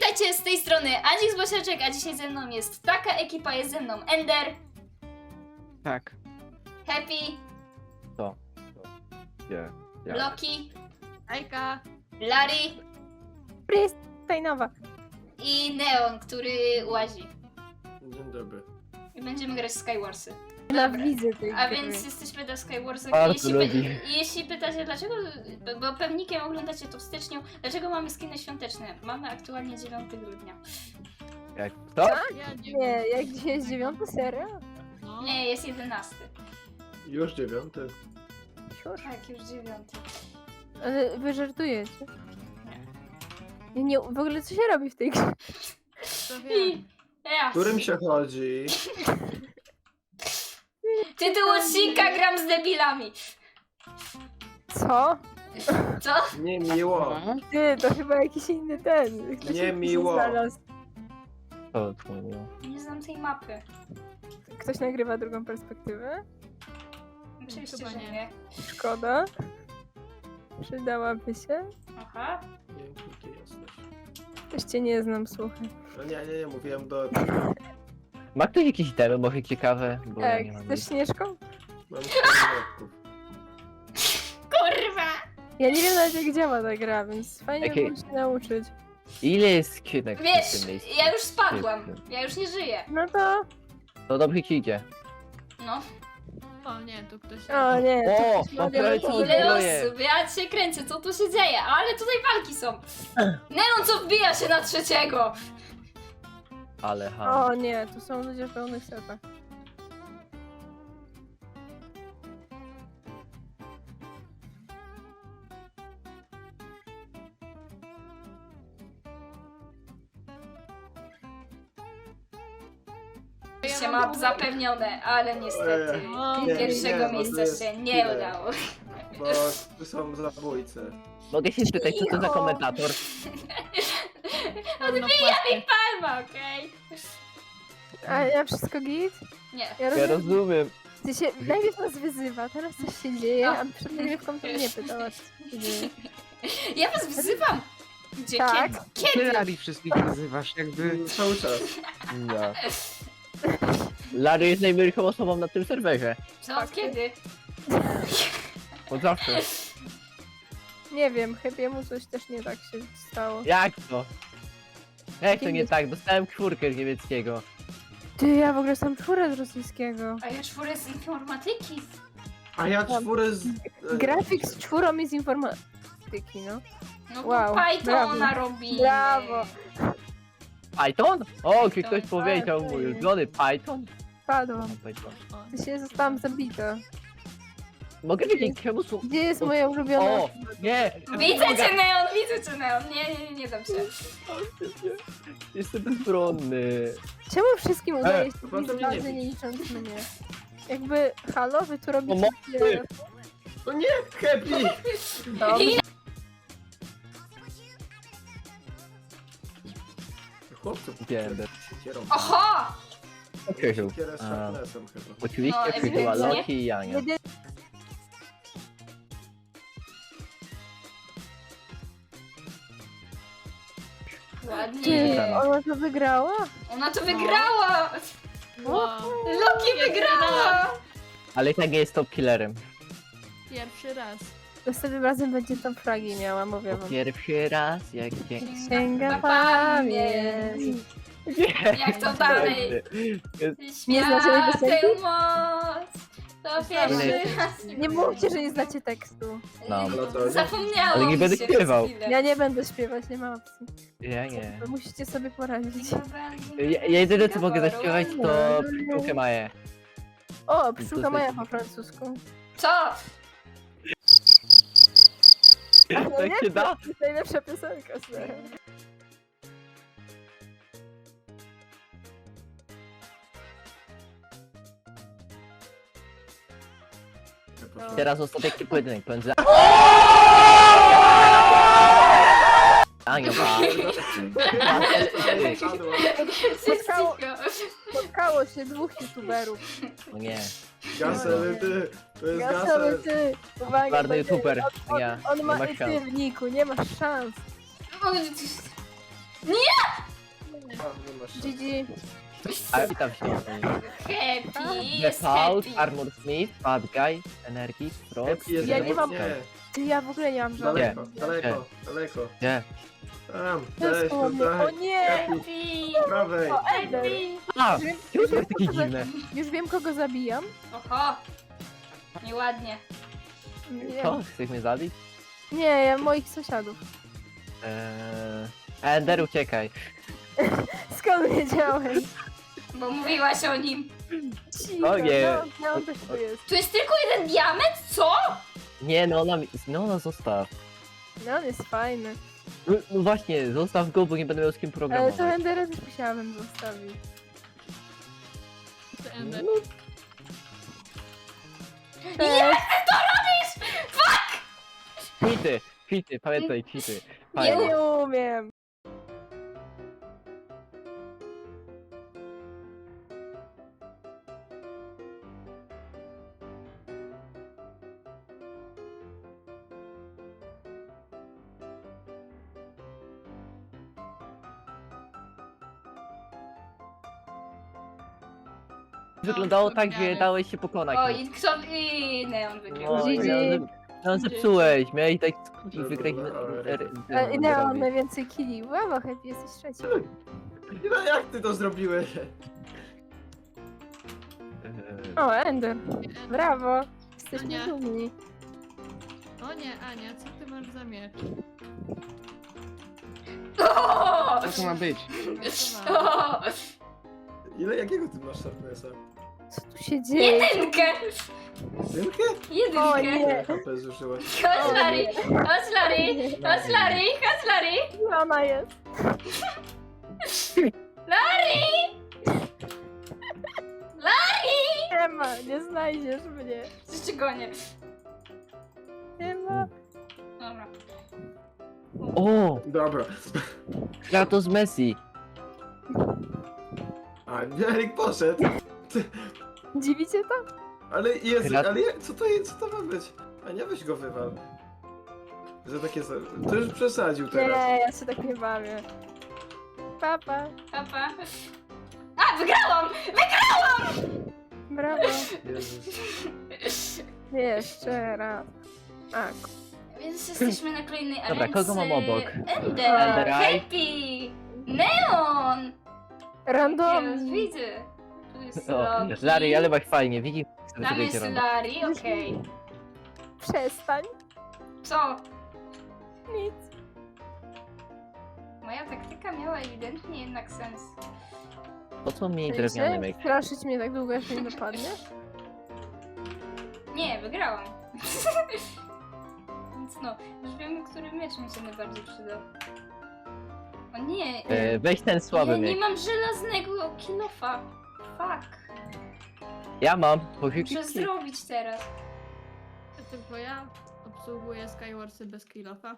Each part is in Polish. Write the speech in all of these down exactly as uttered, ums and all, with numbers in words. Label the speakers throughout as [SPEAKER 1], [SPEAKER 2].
[SPEAKER 1] Witajcie, z tej strony Andzik z Bosiaczek, a dzisiaj ze mną jest taka ekipa, jest ze mną Ender,
[SPEAKER 2] Tak.
[SPEAKER 1] Happy,
[SPEAKER 3] To. to. Nie. Ja.
[SPEAKER 1] Loki,
[SPEAKER 4] Ajka!
[SPEAKER 1] Larry
[SPEAKER 2] Tajnowa.
[SPEAKER 1] i Neon, który łazi.
[SPEAKER 5] Dzień dobry.
[SPEAKER 1] I będziemy grać w Skywarsy.
[SPEAKER 2] Nienawidzę tej
[SPEAKER 1] A
[SPEAKER 2] gry.
[SPEAKER 1] więc jesteśmy na Skywarsach.
[SPEAKER 3] Bardzo
[SPEAKER 1] Jeśli,
[SPEAKER 3] lubi.
[SPEAKER 1] py- jeśli pytacie dlaczego, bo pewnikiem oglądacie to w styczniu, dlaczego mamy skiny świąteczne? Mamy aktualnie dziewiątego grudnia.
[SPEAKER 3] Jak to?
[SPEAKER 4] Ja nie
[SPEAKER 2] Nie, jak dzisiaj jest dziewiąty, serio?
[SPEAKER 4] No.
[SPEAKER 1] Nie, jest jedenasty.
[SPEAKER 5] Już dziewiąty.
[SPEAKER 1] Tak, już dziewiąty.
[SPEAKER 2] Ale wy żartujecie. Nie, nie, w ogóle co się robi w tej grze?
[SPEAKER 4] To wiem.
[SPEAKER 1] I ja.
[SPEAKER 5] Którym się chodzi?
[SPEAKER 1] Tytuł odcinka gram z debilami.
[SPEAKER 2] Co?
[SPEAKER 1] Co?
[SPEAKER 5] Nie miło.
[SPEAKER 2] Ty, to chyba jakiś inny ten. Ktoś
[SPEAKER 5] Nie
[SPEAKER 2] się
[SPEAKER 5] miło.
[SPEAKER 2] znalazł.
[SPEAKER 3] To tłumiło.
[SPEAKER 1] Nie znam tej mapy.
[SPEAKER 2] Ktoś nagrywa drugą perspektywę?
[SPEAKER 1] Oczywiście,
[SPEAKER 4] Chyba
[SPEAKER 1] że
[SPEAKER 4] nie.
[SPEAKER 1] nie.
[SPEAKER 2] Szkoda. Przydałaby się.
[SPEAKER 1] Aha.
[SPEAKER 5] Nie, kim ty jesteś?
[SPEAKER 2] Też cię nie znam, słuchaj.
[SPEAKER 5] No nie, nie, nie, mówiłem do...
[SPEAKER 3] Ma ktoś jakieś itemy, może ciekawe? Bo ja
[SPEAKER 2] Tak,
[SPEAKER 3] nie mam
[SPEAKER 2] chcesz
[SPEAKER 3] nic.
[SPEAKER 2] Śnieżką?
[SPEAKER 5] Mam cztery
[SPEAKER 1] Kurwa!
[SPEAKER 2] Ja nie wiem nawet jak działa ta gra, więc fajnie
[SPEAKER 3] Jakie-
[SPEAKER 2] by było się nauczyć.
[SPEAKER 3] Ile jest skrzynek w
[SPEAKER 1] Wiesz,
[SPEAKER 3] tym miejscu?
[SPEAKER 1] ja już spadłam. Ja już nie żyję.
[SPEAKER 2] No to...
[SPEAKER 3] To dobrze ci idzie.
[SPEAKER 1] No.
[SPEAKER 4] O nie, tu ktoś...
[SPEAKER 2] O nie, to
[SPEAKER 3] O,
[SPEAKER 2] ktoś
[SPEAKER 3] mam
[SPEAKER 2] ma
[SPEAKER 3] prawie
[SPEAKER 2] wiele-
[SPEAKER 3] co
[SPEAKER 1] Ile
[SPEAKER 3] zbroję.
[SPEAKER 1] osób? Ja się kręcę, co tu się dzieje? Ale tutaj walki są. Neon co wbija się na trzeciego.
[SPEAKER 3] Ale ha.
[SPEAKER 2] O nie, tu są ludzie w pełnych setach.
[SPEAKER 1] Się map zapewnione, ale niestety
[SPEAKER 4] O,
[SPEAKER 5] Nie,
[SPEAKER 1] pierwszego
[SPEAKER 5] nie, bo to
[SPEAKER 1] miejsca
[SPEAKER 5] jest
[SPEAKER 1] się nie
[SPEAKER 5] chwilę.
[SPEAKER 1] udało.
[SPEAKER 5] Bo tu są zabójcy.
[SPEAKER 3] Mogę się spytać, co to za komentator?
[SPEAKER 4] Odbija mi
[SPEAKER 1] Palma, okej?
[SPEAKER 2] A ja wszystko git?
[SPEAKER 1] Nie.
[SPEAKER 2] Ja
[SPEAKER 3] Ja
[SPEAKER 2] rozumiem.
[SPEAKER 3] rozumiem.
[SPEAKER 2] Ty się najpierw nas wyzywa, teraz coś się dzieje,
[SPEAKER 1] A.
[SPEAKER 2] a przed nagrywką to mnie pytała, co się dzieje.
[SPEAKER 1] Ja was wzywam. Gdzie?
[SPEAKER 2] Tak.
[SPEAKER 1] Kiedy? Kiedy?
[SPEAKER 6] Ty wszystkich wyzywasz, jakby...
[SPEAKER 5] Cały czas.
[SPEAKER 3] No. Larry jest najmilszą osobą na tym serwerze.
[SPEAKER 1] Co? Od kiedy?
[SPEAKER 3] Od zawsze.
[SPEAKER 2] Nie wiem, chybiemu coś też nie tak się stało.
[SPEAKER 3] Jak to? Jak to
[SPEAKER 2] Kim
[SPEAKER 3] nie
[SPEAKER 2] jest-
[SPEAKER 3] tak? Dostałem czwórkę z niemieckiego.
[SPEAKER 2] Ty, ja w ogóle sam czwórę z rosyjskiego.
[SPEAKER 1] A ja czwórę z informatyki.
[SPEAKER 5] A ja czwórę z... e,
[SPEAKER 2] Grafik z czwórą i z informatyki, no.
[SPEAKER 1] No
[SPEAKER 2] Wow,
[SPEAKER 1] to Pythona
[SPEAKER 2] brawo.
[SPEAKER 1] robimy.
[SPEAKER 2] Brawo.
[SPEAKER 3] Python? O, czy ktoś
[SPEAKER 1] Tak,
[SPEAKER 3] powiedział
[SPEAKER 2] tak.
[SPEAKER 3] mój ulubiony Python?
[SPEAKER 2] Padłam.
[SPEAKER 3] Python.
[SPEAKER 2] Ty się zostałam zabita.
[SPEAKER 3] Mogę wiedzieć czemu są...
[SPEAKER 2] Gdzie jest moja ulubiona?
[SPEAKER 3] O! Nie!
[SPEAKER 1] Widzę cię, Neon, widzę cię, Neon. Nie, nie, nie, nie dam się.
[SPEAKER 3] Jestem bezbronny.
[SPEAKER 2] Czemu wszystkim udaje się
[SPEAKER 5] po prostu
[SPEAKER 2] bić
[SPEAKER 5] mnie nie
[SPEAKER 2] bazy, nie
[SPEAKER 5] bić.
[SPEAKER 2] licząc mnie? Jakby, halo, wy tu robicie...
[SPEAKER 3] Pomocy!
[SPEAKER 5] No nie, Happy!
[SPEAKER 2] Dobrze.
[SPEAKER 5] Chłopcy,
[SPEAKER 3] Wiem.
[SPEAKER 5] kierą.
[SPEAKER 1] Oho!
[SPEAKER 3] Krzyżu.
[SPEAKER 5] Kierę z
[SPEAKER 3] A.
[SPEAKER 5] sharpnessem chyba.
[SPEAKER 3] Oczywiście
[SPEAKER 1] No,
[SPEAKER 3] przybyła
[SPEAKER 1] ewidentnie.
[SPEAKER 3] Loki i Jania.
[SPEAKER 2] Jedy... Ty,
[SPEAKER 1] Ładnie.
[SPEAKER 2] ona to wygrała?
[SPEAKER 1] Ona to wygrała!
[SPEAKER 4] Wow.
[SPEAKER 1] Loki wygrała!
[SPEAKER 3] Ale i tak nie jest top killerem.
[SPEAKER 4] Pierwszy raz.
[SPEAKER 2] Następnym razem będzie tam fragi miała, mówię wam.
[SPEAKER 3] Pierwszy raz jak cię...
[SPEAKER 2] Sięga
[SPEAKER 1] Na
[SPEAKER 2] pamięć.
[SPEAKER 1] Jak to dalej?
[SPEAKER 2] Nie znacie tej
[SPEAKER 1] Świat
[SPEAKER 2] piosenki?
[SPEAKER 1] tę moc! To pierwszy
[SPEAKER 3] Nie.
[SPEAKER 1] raz.
[SPEAKER 2] Nie mówcie, że nie znacie tekstu.
[SPEAKER 3] No.
[SPEAKER 5] No to-
[SPEAKER 1] Zapomniałam
[SPEAKER 3] Ale nie będę
[SPEAKER 1] się
[SPEAKER 3] śpiewał.
[SPEAKER 1] przez chwilę.
[SPEAKER 2] Ja nie będę śpiewać, nie ma opcji.
[SPEAKER 3] Ja nie.
[SPEAKER 2] Wy musicie sobie poradzić.
[SPEAKER 3] Ja, ja jedyne co mogę zaśpiewać to Pszczółkę Maję.
[SPEAKER 2] O, pszczółka Maja po francusku.
[SPEAKER 1] Co?
[SPEAKER 3] Tak się da?
[SPEAKER 2] To jest najlepsza piosenka, serio.
[SPEAKER 3] Teraz ostateczny pojedynek pomiędzy... Anią, a...
[SPEAKER 2] Spotkało, spotkało się dwóch youtuberów.
[SPEAKER 3] No nie.
[SPEAKER 5] Gasel, ty! To jest
[SPEAKER 2] Gasowy
[SPEAKER 5] gasel!
[SPEAKER 2] ty! Uwaga,
[SPEAKER 3] Czarny
[SPEAKER 2] będzie-
[SPEAKER 3] youtuber.
[SPEAKER 2] On,
[SPEAKER 3] Ja.
[SPEAKER 2] on
[SPEAKER 3] Nie
[SPEAKER 2] ma
[SPEAKER 3] ma
[SPEAKER 2] ty
[SPEAKER 3] szans.
[SPEAKER 2] w niku, nie masz szans.
[SPEAKER 1] Nie!
[SPEAKER 5] A, nie masz.
[SPEAKER 2] G G.
[SPEAKER 3] A witam się.
[SPEAKER 1] Happy,
[SPEAKER 3] The
[SPEAKER 1] jest
[SPEAKER 3] Fault,
[SPEAKER 1] happy.
[SPEAKER 3] Armor Smith, Bad Guy, Energii, Frost.
[SPEAKER 5] Happy jest
[SPEAKER 2] Ja nie mam-
[SPEAKER 5] Nie,
[SPEAKER 2] Ty, ja w ogóle nie mam żadnych.
[SPEAKER 5] daleko, daleko, daleko.
[SPEAKER 3] Gdzie?
[SPEAKER 5] Tam,
[SPEAKER 2] To jest
[SPEAKER 5] cześć,
[SPEAKER 2] koło mnie. O
[SPEAKER 5] tutaj.
[SPEAKER 2] nie!
[SPEAKER 5] Happy,
[SPEAKER 1] Happy,
[SPEAKER 5] prawej.
[SPEAKER 2] O, Ender.
[SPEAKER 1] happy.
[SPEAKER 3] A!
[SPEAKER 2] Już wiem,
[SPEAKER 3] Czemu
[SPEAKER 2] już
[SPEAKER 3] to
[SPEAKER 2] wiem,
[SPEAKER 3] jest takie
[SPEAKER 2] kogo za-
[SPEAKER 3] dziwne?
[SPEAKER 2] już wiem, kogo zabijam.
[SPEAKER 1] Oho. Nieładnie.
[SPEAKER 2] Nie,
[SPEAKER 3] Co? Chcesz mnie zabić?
[SPEAKER 2] nie ja moich sąsiadów.
[SPEAKER 3] Eee... Ender, uciekaj.
[SPEAKER 2] Skąd wiedziałeś?
[SPEAKER 1] Bo mówiłaś o nim.
[SPEAKER 2] Cicho,
[SPEAKER 3] O nie.
[SPEAKER 2] no, no on też tu jest.
[SPEAKER 1] Tu jest tylko jeden diament? Co?
[SPEAKER 3] Nie, no ona, mi- no ona zostaw.
[SPEAKER 2] No on jest fajny.
[SPEAKER 3] No, no właśnie, zostaw go, bo nie będę miał z kim
[SPEAKER 2] Ale to
[SPEAKER 3] programować.
[SPEAKER 2] Endera też musiałabym zostawić.
[SPEAKER 4] To Ender.
[SPEAKER 2] Cześć.
[SPEAKER 3] Kwity, kwity, pamiętaj, kwity.
[SPEAKER 2] Ja
[SPEAKER 3] Fajnie.
[SPEAKER 2] nie umiem.
[SPEAKER 3] Wyglądało
[SPEAKER 4] No,
[SPEAKER 3] tak, że
[SPEAKER 4] wspomniane.
[SPEAKER 3] dałeś się pokonać.
[SPEAKER 1] O, i kto... I Neon wygrał.
[SPEAKER 3] No,
[SPEAKER 2] G G.
[SPEAKER 3] no, no zepsułeś, miałeś tak i
[SPEAKER 5] Dobra,
[SPEAKER 3] wygrać.
[SPEAKER 5] dobra.
[SPEAKER 2] E, Neo mam najwięcej killi. Brawo, Happy, jesteś trzeci.
[SPEAKER 5] No jak ty to zrobiłeś?
[SPEAKER 2] O, Ender. Brawo. Jesteśmy
[SPEAKER 4] Ania.
[SPEAKER 2] dumni.
[SPEAKER 4] O nie, Ania, co ty masz za miecz?
[SPEAKER 1] O!
[SPEAKER 6] Co to ma być?
[SPEAKER 1] O!
[SPEAKER 5] Ile, jakiego ty masz sharpnessa?
[SPEAKER 2] Co tu się dzieje?
[SPEAKER 1] Jedynkę!
[SPEAKER 5] Jedynkę?
[SPEAKER 2] O
[SPEAKER 1] Jedynkę!
[SPEAKER 2] nie.
[SPEAKER 5] Ile H P zużyłaś?
[SPEAKER 1] Chodź Larry! Chodź Larry! Chodź Larry! Chodź Larry!
[SPEAKER 2] Gdzie ona jest?
[SPEAKER 1] Larry! Larry!
[SPEAKER 2] Nie ma, nie znajdziesz mnie.
[SPEAKER 1] Jeszcze gonię.
[SPEAKER 2] Nie ma.
[SPEAKER 1] Dobra.
[SPEAKER 3] O!
[SPEAKER 5] Dobra.
[SPEAKER 3] Kratos Messi.
[SPEAKER 5] A, Erik poszedł.
[SPEAKER 2] Dziwicie to?
[SPEAKER 5] Ale jest,
[SPEAKER 3] Krat-
[SPEAKER 5] ale jak- co to jest, co to ma być? A nie weź go wywal. Że takie są. To już przesadził teraz.
[SPEAKER 2] Nie, ja się tak nie bawię. Papa.
[SPEAKER 1] Papa. A, wygrałam!
[SPEAKER 2] Brawo.
[SPEAKER 5] Jezus.
[SPEAKER 2] Jeszcze raz. Tak.
[SPEAKER 1] Więc jesteśmy na kolejnej arence.
[SPEAKER 3] Dobra, kogo mam obok?
[SPEAKER 1] Ender!
[SPEAKER 3] Ender Eye.
[SPEAKER 1] Happy! Neon!
[SPEAKER 2] Random.
[SPEAKER 1] Teraz widzę. Tu jest
[SPEAKER 3] O,
[SPEAKER 1] Loki.
[SPEAKER 3] Larry, ale masz fajnie, widzisz?
[SPEAKER 1] Tam jest Larry, okej.
[SPEAKER 2] Przestań.
[SPEAKER 1] Co?
[SPEAKER 2] Nic.
[SPEAKER 1] Moja taktyka miała ewidentnie jednak sens.
[SPEAKER 3] Po co mi drewniany
[SPEAKER 2] Chcecie
[SPEAKER 3] myk?
[SPEAKER 2] straszyć mnie tak długo, aż mnie dopadniesz?
[SPEAKER 1] Nie, wygrałam. Więc no, już wiemy, który miecz mi się najbardziej przydał. O nie,
[SPEAKER 3] E, weź ten słaby
[SPEAKER 1] ja nie
[SPEAKER 3] myk.
[SPEAKER 1] mam żelaznego kilofa. Fuck.
[SPEAKER 3] Ja mam, bo
[SPEAKER 1] Muszę zrobić teraz.
[SPEAKER 4] Tylko ja obsługuję Skywarsy bez killofa.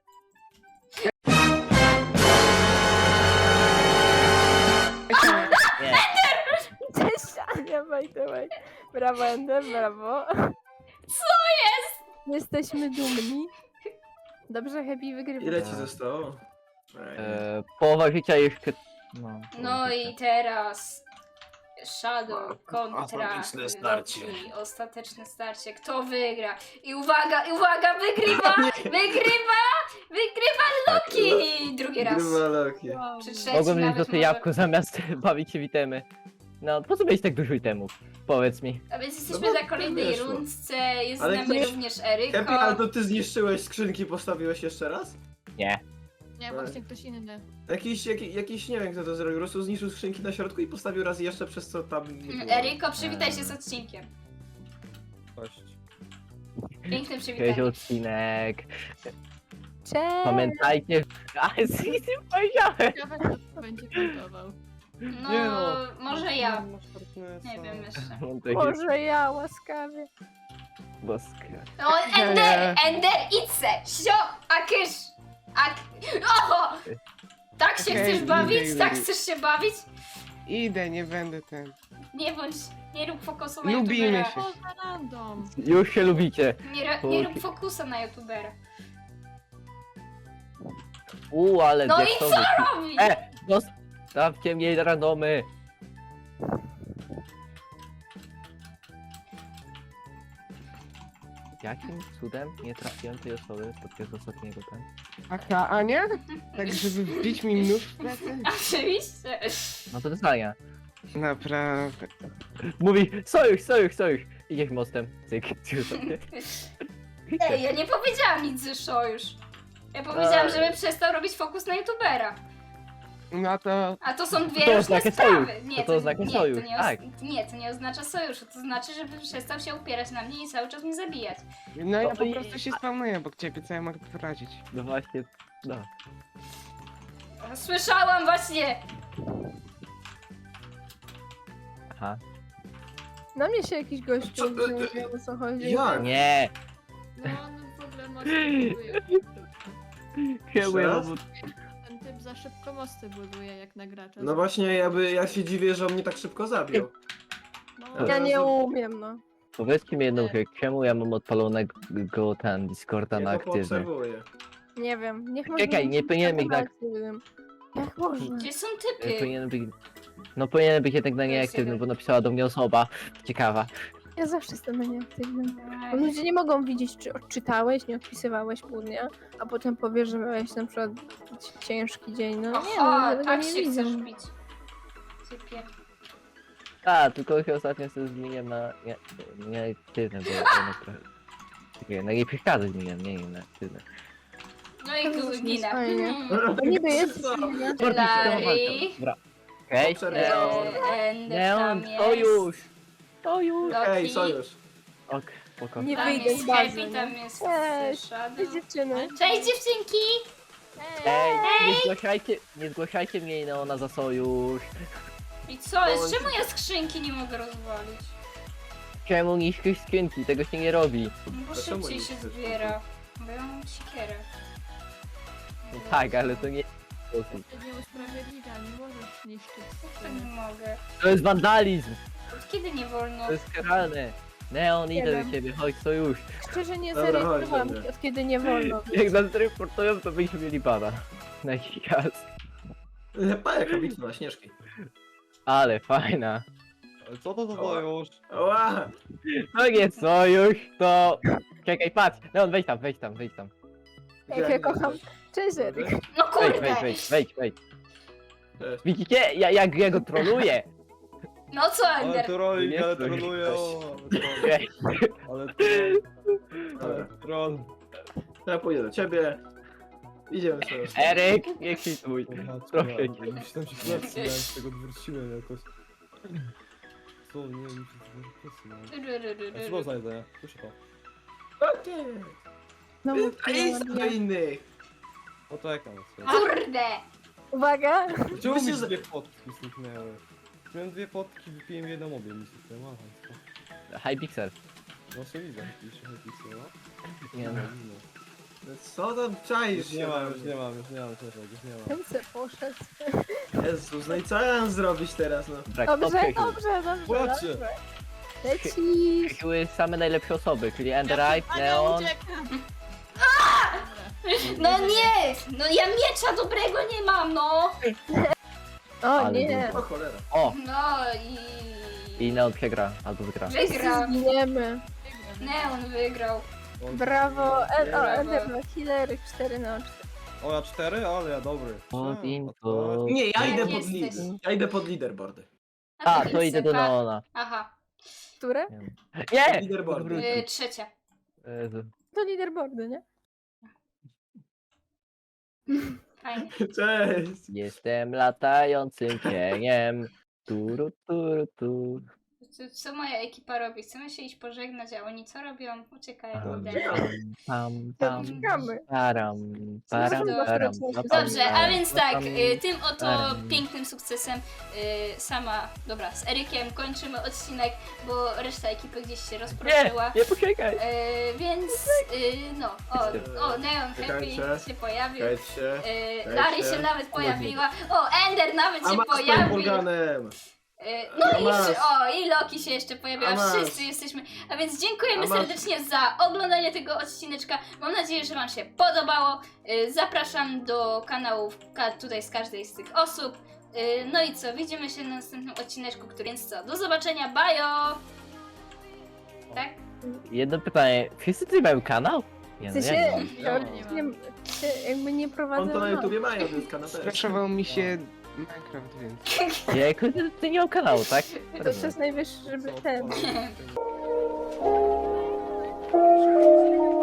[SPEAKER 3] Nie.
[SPEAKER 2] Cześć, Ania, by the way. Brawo, Ender, brawo.
[SPEAKER 1] Co jest?
[SPEAKER 2] Jesteśmy dumni. Dobrze, Happy wygrywa.
[SPEAKER 5] Ile ci zostało? Ej.
[SPEAKER 3] E, połowa życia jeszcze... No,
[SPEAKER 1] No i teraz Shadow kontra
[SPEAKER 5] Ostateczne starcie.
[SPEAKER 1] Loki. Ostateczne starcie. Kto wygra? I uwaga, i uwaga, wygrywa! Wygrywa! Wygrywa Loki! Drugi raz.
[SPEAKER 5] Grywa Loki.
[SPEAKER 1] Przy trzecim
[SPEAKER 3] Mogłem mieć
[SPEAKER 1] nawet
[SPEAKER 3] złote
[SPEAKER 1] może.
[SPEAKER 3] jabłko zamiast bawić się w itemy. No, po co mieć tak dużo itemów? Powiedz mi.
[SPEAKER 1] A więc jesteśmy
[SPEAKER 5] No bo
[SPEAKER 1] na kolejnej
[SPEAKER 5] wyszło.
[SPEAKER 1] rundce. Jest
[SPEAKER 5] Ale
[SPEAKER 1] z nami
[SPEAKER 5] ktoś-
[SPEAKER 1] również
[SPEAKER 5] Happy,
[SPEAKER 1] Eryko.
[SPEAKER 5] ale to ty zniszczyłeś skrzynki, postawiłeś jeszcze raz?
[SPEAKER 3] Nie.
[SPEAKER 4] Nie, właśnie ktoś inny.
[SPEAKER 5] Jakiś, jaki, jakiś, nie wiem kto to zrobił, po prostu zniszczył skrzynki na środku i postawił raz jeszcze, przez co tam nie
[SPEAKER 1] Mm,
[SPEAKER 5] było.
[SPEAKER 1] Eryko, przywitaj się z odcinkiem.
[SPEAKER 5] Cześć.
[SPEAKER 1] Piękne
[SPEAKER 3] Cześć
[SPEAKER 1] przywitanie.
[SPEAKER 3] odcinek.
[SPEAKER 2] Cześć.
[SPEAKER 3] Pamiętajcie... A, z tym powiedziałem!
[SPEAKER 4] Ciekawe, kto będzie kontował.
[SPEAKER 1] No,
[SPEAKER 3] Nie no.
[SPEAKER 1] może ja. Nie wiem jeszcze.
[SPEAKER 3] On to jest
[SPEAKER 2] Może ja, łaskawie.
[SPEAKER 3] boska.
[SPEAKER 1] O, Ender, Ender, idź se! Sio, a kysz! A... Oho! Tak się
[SPEAKER 6] Okej,
[SPEAKER 1] chcesz
[SPEAKER 6] idę,
[SPEAKER 1] bawić?
[SPEAKER 6] idę,
[SPEAKER 1] Tak
[SPEAKER 6] idę.
[SPEAKER 1] chcesz się bawić?
[SPEAKER 6] Idę, nie będę ten.
[SPEAKER 1] Nie bądź, nie rób fokusu na
[SPEAKER 6] Lubimy
[SPEAKER 1] youtubera.
[SPEAKER 6] się.
[SPEAKER 4] Co za random?
[SPEAKER 3] Już się lubicie.
[SPEAKER 1] Nie, ro- nie rób fokusa na youtubera.
[SPEAKER 3] Uuu, ale
[SPEAKER 1] No i
[SPEAKER 3] diaksowy.
[SPEAKER 1] Robi!
[SPEAKER 3] E, dos... Dawcie mnie randomy. Jakim cudem nie trafiłem tej osoby podczas ostatniego ten?
[SPEAKER 6] Aha, Ania? Tak, żeby wbić mi nóż w plecy?
[SPEAKER 1] Oczywiście.
[SPEAKER 3] No to dostania.
[SPEAKER 6] Naprawdę.
[SPEAKER 3] Mówi, sojusz, sojusz, sojusz. Idziesz mostem. Cyk, cyk sobie.
[SPEAKER 1] Ej, ja nie powiedziałam nic ze sojusz. Ja powiedziałam,
[SPEAKER 3] Ej.
[SPEAKER 1] żeby przestał robić fokus na youtubera.
[SPEAKER 6] No to...
[SPEAKER 1] A to są dwie
[SPEAKER 3] To
[SPEAKER 1] różne
[SPEAKER 3] oznacza
[SPEAKER 1] sprawy.
[SPEAKER 3] sojusz.
[SPEAKER 1] Nie,
[SPEAKER 3] To to oznacza
[SPEAKER 1] nie,
[SPEAKER 3] sojusz,
[SPEAKER 1] to nie,
[SPEAKER 3] tak.
[SPEAKER 1] os- nie, to nie oznacza sojuszu. To znaczy, żeby przestał się upierać na mnie i cały czas mnie zabijać.
[SPEAKER 6] No ja
[SPEAKER 3] No
[SPEAKER 6] po
[SPEAKER 3] i-
[SPEAKER 6] prostu się spawnuję obok ciebie, co ja mogę poradzić?
[SPEAKER 3] No właśnie, no.
[SPEAKER 1] Słyszałam właśnie!
[SPEAKER 3] Aha.
[SPEAKER 2] Na mnie się jakiś gościu,
[SPEAKER 5] Co-
[SPEAKER 2] że nie wiem o co chodzi.
[SPEAKER 5] Jak?
[SPEAKER 3] Nie!
[SPEAKER 4] No on w ogóle mosty buduje.
[SPEAKER 3] Chyba
[SPEAKER 5] raz?
[SPEAKER 4] Ten typ za szybko mosty buduje jak na gracza.
[SPEAKER 5] No właśnie, ja, by, ja się dziwię, że on mnie tak szybko zabił.
[SPEAKER 4] No,
[SPEAKER 2] Ja nie umiem, no.
[SPEAKER 3] Powiedzcie mi jedną rzecz, czemu ja mam odpalonego ten Discorda na
[SPEAKER 5] Ja to
[SPEAKER 3] aktywny?
[SPEAKER 5] poobserwuję.
[SPEAKER 2] Nie wiem. Niech
[SPEAKER 3] Czekaj, nie powinienem ich tak-
[SPEAKER 2] Jak można?
[SPEAKER 1] Gdzie są
[SPEAKER 3] E,
[SPEAKER 1] typy?
[SPEAKER 3] Powinien być... No powinien być jednak na
[SPEAKER 1] To jest
[SPEAKER 3] nieaktywny,
[SPEAKER 1] jeden.
[SPEAKER 3] bo napisała do mnie osoba ciekawa.
[SPEAKER 2] Ja zawsze jestem na nieaktywnym. Bo
[SPEAKER 1] Ej,
[SPEAKER 2] ludzie nie mogą widzieć, czy odczytałeś, nie odpisywałeś pół dnia, a potem powiesz, że miałeś na przykład ciężki dzień. No nie, no
[SPEAKER 1] Aha,
[SPEAKER 2] ja tego
[SPEAKER 1] tak
[SPEAKER 2] nie
[SPEAKER 1] się
[SPEAKER 2] widzę.
[SPEAKER 1] chcesz bić. Typie.
[SPEAKER 3] A, tylko się ostatnio sobie zmieniłem na nie, nieaktywny, bo jednak trochę... Czekaj, na nie przeszkadza zmieniłem, nie, nie, na aktywny.
[SPEAKER 1] No i
[SPEAKER 2] To
[SPEAKER 1] tu
[SPEAKER 2] jest
[SPEAKER 1] ginę.
[SPEAKER 2] fajnie.
[SPEAKER 1] Mm.
[SPEAKER 2] To niby jest...
[SPEAKER 5] Co?
[SPEAKER 2] nie?
[SPEAKER 1] Larry.
[SPEAKER 3] Dobra. Okej,
[SPEAKER 5] Obserwowałem.
[SPEAKER 3] Neon,
[SPEAKER 1] Eee, Ender
[SPEAKER 3] Neon,
[SPEAKER 1] tam jest.
[SPEAKER 3] sojusz! Sojusz!
[SPEAKER 1] Loki.
[SPEAKER 5] Ej, sojusz.
[SPEAKER 3] Ok, spoko.
[SPEAKER 2] Nie
[SPEAKER 1] Tam
[SPEAKER 2] wyjdę
[SPEAKER 1] jest
[SPEAKER 2] z bazy,
[SPEAKER 1] Happy,
[SPEAKER 2] no.
[SPEAKER 1] tam jest
[SPEAKER 2] Cześć.
[SPEAKER 1] Shadow.
[SPEAKER 2] Cześć dziewczyny.
[SPEAKER 1] Cześć dziewczynki!
[SPEAKER 3] Ej, nie zgłaszajcie, nie zgłaszajcie mnie i Neona za sojusz.
[SPEAKER 1] I co jest? Czemu ja skrzynki nie mogę rozwalić?
[SPEAKER 3] Czemu niszczysz skrzynki? Tego się nie robi.
[SPEAKER 1] No bo
[SPEAKER 5] A czemu
[SPEAKER 1] szybciej
[SPEAKER 5] nie
[SPEAKER 1] się
[SPEAKER 5] chcesz?
[SPEAKER 1] zbiera. Bo ja mam siekierę.
[SPEAKER 3] No tak, ale to nie sposób.
[SPEAKER 4] to nie usprawiedliwia, nie możesz niszczyć
[SPEAKER 1] Jak to nie
[SPEAKER 4] skrzynek.
[SPEAKER 1] mogę?
[SPEAKER 3] To jest wandalizm!
[SPEAKER 1] Od kiedy nie wolno?
[SPEAKER 3] To jest karalne! Neon, idę
[SPEAKER 2] wiem.
[SPEAKER 3] do ciebie, chodź sojusz.
[SPEAKER 2] Szczerze nie
[SPEAKER 5] Dobra, chodź,
[SPEAKER 2] zarejestrowałam,
[SPEAKER 5] dobra.
[SPEAKER 2] od kiedy nie wolno.
[SPEAKER 3] Jak nas reportują, to byśmy mieli bana. Na jakiś czas.
[SPEAKER 5] Pa, jaka bitwa na śnieżki.
[SPEAKER 3] Ale fajna.
[SPEAKER 7] Co to za sojusz?
[SPEAKER 5] Ła!
[SPEAKER 3] To nie sojusz, to... Czekaj, patrz! Neon, wejdź tam, wejdź tam, wejdź tam.
[SPEAKER 2] Jak ja kocham. Cześć, Eryk.
[SPEAKER 1] No
[SPEAKER 3] Wejdź,
[SPEAKER 1] kurde!
[SPEAKER 3] wejdź, wejdź, wejdź, wejdź.
[SPEAKER 5] Cześć.
[SPEAKER 3] Widzicie? Ja, jak ja go troluję.
[SPEAKER 1] No co
[SPEAKER 7] Ale
[SPEAKER 1] Ender?
[SPEAKER 7] trolling,
[SPEAKER 3] Nie
[SPEAKER 7] ale
[SPEAKER 3] stój.
[SPEAKER 7] troluję, o,
[SPEAKER 3] Ej,
[SPEAKER 7] ale troll, ale
[SPEAKER 5] Dobra,
[SPEAKER 7] troll.
[SPEAKER 5] ja pójdę do ciebie. Idziemy sobie.
[SPEAKER 3] Eryk, nie kwituj.
[SPEAKER 7] Kurwa,
[SPEAKER 3] Proszę
[SPEAKER 7] czekaj,
[SPEAKER 3] cię.
[SPEAKER 7] bo mi się tam się plecy, ja z tego odwróciłem jakoś. Co, nie, mi się plecy, no. A co to za jedzenie? Proszę to.
[SPEAKER 5] Okej.
[SPEAKER 2] No,
[SPEAKER 5] A jest do innych.
[SPEAKER 7] Poczekam. sobie.
[SPEAKER 1] Kurde!
[SPEAKER 2] Uwaga!
[SPEAKER 7] Czemu mi
[SPEAKER 5] Myślę, że-
[SPEAKER 7] dwie potki zniknęły? Miałem dwie potki, wypiłem jedną obie mi zniknęły, aha,
[SPEAKER 3] Hypixel.
[SPEAKER 7] no co widzę, pisze Hypixel, no.
[SPEAKER 3] Nie no.
[SPEAKER 7] no.
[SPEAKER 5] Co tam czaisz
[SPEAKER 7] Już
[SPEAKER 5] się?
[SPEAKER 7] nie
[SPEAKER 5] na
[SPEAKER 7] mam, już
[SPEAKER 5] mnie?
[SPEAKER 7] nie mam, już nie mam, już nie mam.
[SPEAKER 2] Ten se poszedł.
[SPEAKER 5] Jezus, no i co ja mam zrobić teraz, no?
[SPEAKER 3] Dobra,
[SPEAKER 2] Dobrze,
[SPEAKER 3] kto przeżył?
[SPEAKER 2] dobrze, dobrze,
[SPEAKER 7] Płaczcie.
[SPEAKER 2] dobrze. Lecisz!
[SPEAKER 3] Były same najlepsze osoby, czyli Enderite, Neon.
[SPEAKER 1] No nie! No ja miecza dobrego nie mam, no!
[SPEAKER 2] O
[SPEAKER 3] Ale
[SPEAKER 2] nie!
[SPEAKER 5] O cholera.
[SPEAKER 3] O!
[SPEAKER 1] No i...
[SPEAKER 3] I Neon przegra, albo wygra.
[SPEAKER 1] Wygrał.
[SPEAKER 2] Zginiemy.
[SPEAKER 1] Neon wygrał.
[SPEAKER 7] O,
[SPEAKER 2] Brawo! E, o,
[SPEAKER 1] Brawo.
[SPEAKER 2] Ender na killery cztery na cztery.
[SPEAKER 7] O, ja cztery, ale ja dobry.
[SPEAKER 3] Pod
[SPEAKER 7] A,
[SPEAKER 3] info.
[SPEAKER 5] Nie, ja
[SPEAKER 1] Jak
[SPEAKER 5] idę pod
[SPEAKER 1] jesteś?
[SPEAKER 5] lider. Ja idę pod leaderboardy.
[SPEAKER 3] A,
[SPEAKER 1] ty
[SPEAKER 3] to idę do
[SPEAKER 1] Sypa.
[SPEAKER 3] Neona.
[SPEAKER 1] Aha.
[SPEAKER 2] Które?
[SPEAKER 3] Nie!
[SPEAKER 5] Leaderboardy.
[SPEAKER 1] Y, trzecia.
[SPEAKER 3] Jezu.
[SPEAKER 2] To leaderboardy, nie?
[SPEAKER 1] Fajnie.
[SPEAKER 5] Cześć.
[SPEAKER 3] Jestem latającym cieniem. Turu, turu, tu.
[SPEAKER 1] Co, co moja ekipa robi? Chcemy się iść pożegnać, a oni co robią? Uciekają
[SPEAKER 3] Pam,
[SPEAKER 1] ode
[SPEAKER 5] Uciekają.
[SPEAKER 1] mnie.
[SPEAKER 3] pam, pam,
[SPEAKER 2] Czekamy.
[SPEAKER 3] param, param,
[SPEAKER 1] Dobrze,
[SPEAKER 3] param,
[SPEAKER 2] dobrze.
[SPEAKER 3] pam,
[SPEAKER 1] Dobrze, a
[SPEAKER 3] param,
[SPEAKER 1] więc tak,
[SPEAKER 3] pam.
[SPEAKER 1] y, tym oto
[SPEAKER 3] Param.
[SPEAKER 1] pięknym sukcesem y, sama, dobra, z Erykiem kończymy odcinek, bo reszta ekipy gdzieś się
[SPEAKER 3] Nie,
[SPEAKER 1] rozproszyła.
[SPEAKER 3] nie poczekaj.
[SPEAKER 1] Y, więc y, no, o, o, Neon Happy
[SPEAKER 5] Czekajcie.
[SPEAKER 1] się pojawił.
[SPEAKER 5] Cześć się.
[SPEAKER 1] Y, Lari się nawet pojawiła. O, Ender nawet
[SPEAKER 5] A
[SPEAKER 1] się
[SPEAKER 5] masz z
[SPEAKER 1] pojawił.
[SPEAKER 5] Polganem.
[SPEAKER 1] Y, No
[SPEAKER 5] A
[SPEAKER 1] i
[SPEAKER 5] masz.
[SPEAKER 1] jeszcze, o, i Loki się jeszcze pojawiła,
[SPEAKER 5] A masz.
[SPEAKER 1] wszyscy jesteśmy. A więc dziękujemy
[SPEAKER 5] A masz.
[SPEAKER 1] serdecznie za oglądanie tego odcineczka. Mam nadzieję, że Wam się podobało. Y, Zapraszam do kanałów ka- tutaj z każdej z tych osób. Yy, no i co, widzimy się na następnym odcineczku, który więc co, do zobaczenia, bajo! Tak?
[SPEAKER 3] Jedno pytanie, wszyscy tutaj mają kanał? Nie,
[SPEAKER 2] W
[SPEAKER 3] no
[SPEAKER 2] sensie,
[SPEAKER 3] jak nie?
[SPEAKER 2] teoretycznie się jakby nie prowadzę.
[SPEAKER 5] On to na
[SPEAKER 2] no.
[SPEAKER 5] YouTubie mają, to jest kanał też.
[SPEAKER 6] Skraszował mi się Minecraft, więc...
[SPEAKER 3] Ja jako ty nie miał kanału, tak?
[SPEAKER 2] To czas najwyższy, żeby ten.
[SPEAKER 7] Co?